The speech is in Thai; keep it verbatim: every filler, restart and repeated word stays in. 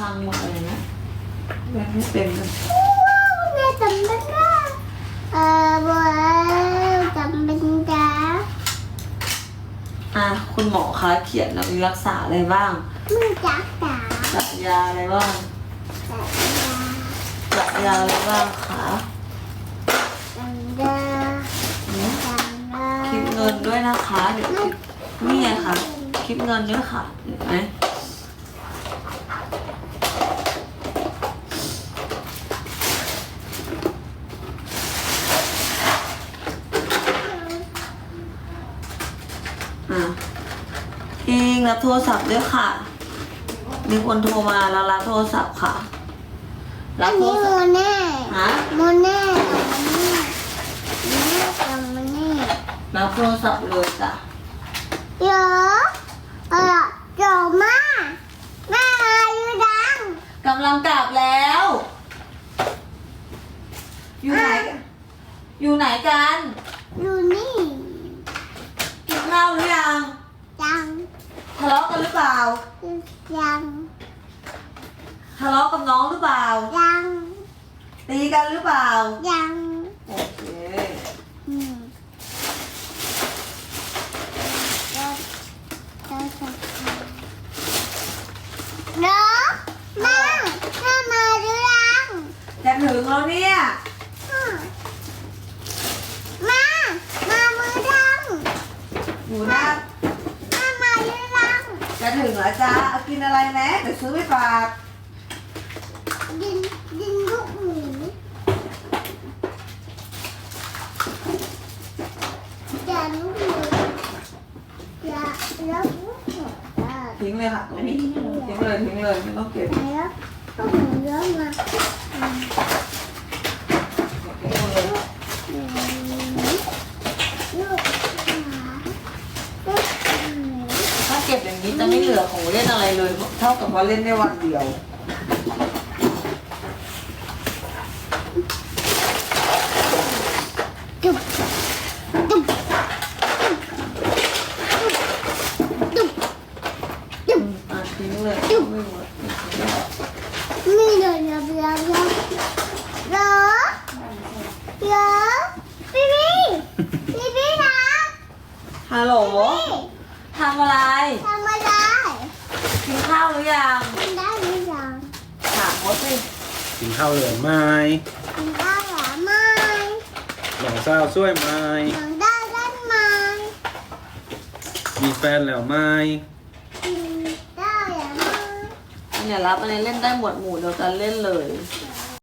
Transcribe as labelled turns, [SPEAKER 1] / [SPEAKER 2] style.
[SPEAKER 1] พังหมดเลยนะเล่นไม่เป็นเลย
[SPEAKER 2] แม่จำเป็นนะเออบัวจำเป็นจ้า
[SPEAKER 1] อ่ะคุณหมอคะเขียนแล้วมีรักษาอะไรบ้าง
[SPEAKER 2] มือจักจ๋า
[SPEAKER 1] จัดยาอะไรบ้าง
[SPEAKER 2] จักยา
[SPEAKER 1] จัดยาอะไรบ้างคะ
[SPEAKER 2] จักยา
[SPEAKER 1] อืม
[SPEAKER 2] จักยา
[SPEAKER 1] คลิปเงินด้วยนะคะเดี๋ยวคลิปนี่ไงคะคลิปเงินด้วยค่ะเห็นไหมอ่ะอิงรับโทรศัพท์ด้วยค่ะมีคนโทรมาแล้วรับโทรศัพท์ค่ะ
[SPEAKER 2] อั
[SPEAKER 1] รับ
[SPEAKER 2] น
[SPEAKER 1] โทร
[SPEAKER 2] นี้โม
[SPEAKER 1] ศัพท์
[SPEAKER 2] เน่
[SPEAKER 1] ฮะ
[SPEAKER 2] โมเน่โมเน่โมเน่
[SPEAKER 1] รับโทรศัพท์เลยจ้ะ
[SPEAKER 2] เดี๋ยวเออเดี๋ยวมาแม่อายุดัง
[SPEAKER 1] กำลังกลับแล้ว อยู่ไหนกันอยู่ไหนกัน
[SPEAKER 2] อยู่นี่
[SPEAKER 1] กินข้าวหรือยัง
[SPEAKER 2] ยัง
[SPEAKER 1] ทะเลาะกันหรือเปล่า
[SPEAKER 2] ยัง
[SPEAKER 1] ทะเลาะกับน้องหรือเปล่า
[SPEAKER 2] ยัง
[SPEAKER 1] ตีกันหรือเปล่า
[SPEAKER 2] ยัง
[SPEAKER 1] โอเค
[SPEAKER 2] อืมเราเราจะเนาะแม่แม่มาหรือยัง
[SPEAKER 1] จะถึงแล้วเนี่ย
[SPEAKER 2] อืมมามามือดัง
[SPEAKER 1] อยู่นะ
[SPEAKER 2] แม่มาหรือยัง
[SPEAKER 1] จะถึงแล้วจ้าเอากินอะไรไหมเดี๋ยวซื้อไปฝาก
[SPEAKER 2] ดินดินลูกหมูอย่าลูกหมูอย่าแล้วลูกหมูอ่ะ
[SPEAKER 1] ทิ้งเลยค่ะตรงนี้ทิ้งเลยทิ้งเลยไม่ต้องเก็บ
[SPEAKER 2] แล้วลูกหมูเยอะมาอืม
[SPEAKER 1] ทิ้งหมดเลย
[SPEAKER 2] ลูกหมาลูกหมู
[SPEAKER 1] ถ้าเก็บอย่างนี้จะไม่เหลือของเล่นอะไรเลย เท่ากับว่าเล่นได้วันเดียว
[SPEAKER 2] จุ๊บจุ๊บจุ๊บจุ๊บ
[SPEAKER 1] อ่ะทิ้งเลยไม่หมดทิ้งเลย
[SPEAKER 2] นี่เดี๋ยวเดี๋ยวเดี๋ยวเดี๋ยวเดี๋ยวเดี๋ยวพี่พี่พี่พี่นะ
[SPEAKER 1] ฮัลโหล
[SPEAKER 2] พี่
[SPEAKER 1] ทำอะไร
[SPEAKER 2] ทำอะไร
[SPEAKER 1] กินข้าวหรือยัง
[SPEAKER 2] ทำได้หรือยัง
[SPEAKER 1] ถามเขาสิ
[SPEAKER 3] กินข้าวเหลืองไหม
[SPEAKER 2] ทำได้หรือไม่
[SPEAKER 3] หลองเศร้าช่วยไหม
[SPEAKER 2] ทำได้ได้ไหม
[SPEAKER 3] มีแฟนแล้วไหม
[SPEAKER 2] ทำได้หรือไม่
[SPEAKER 1] อันเนี้ยรับอันนี้เล่นได้หมวดหมู่เดียวกันเล่นเลย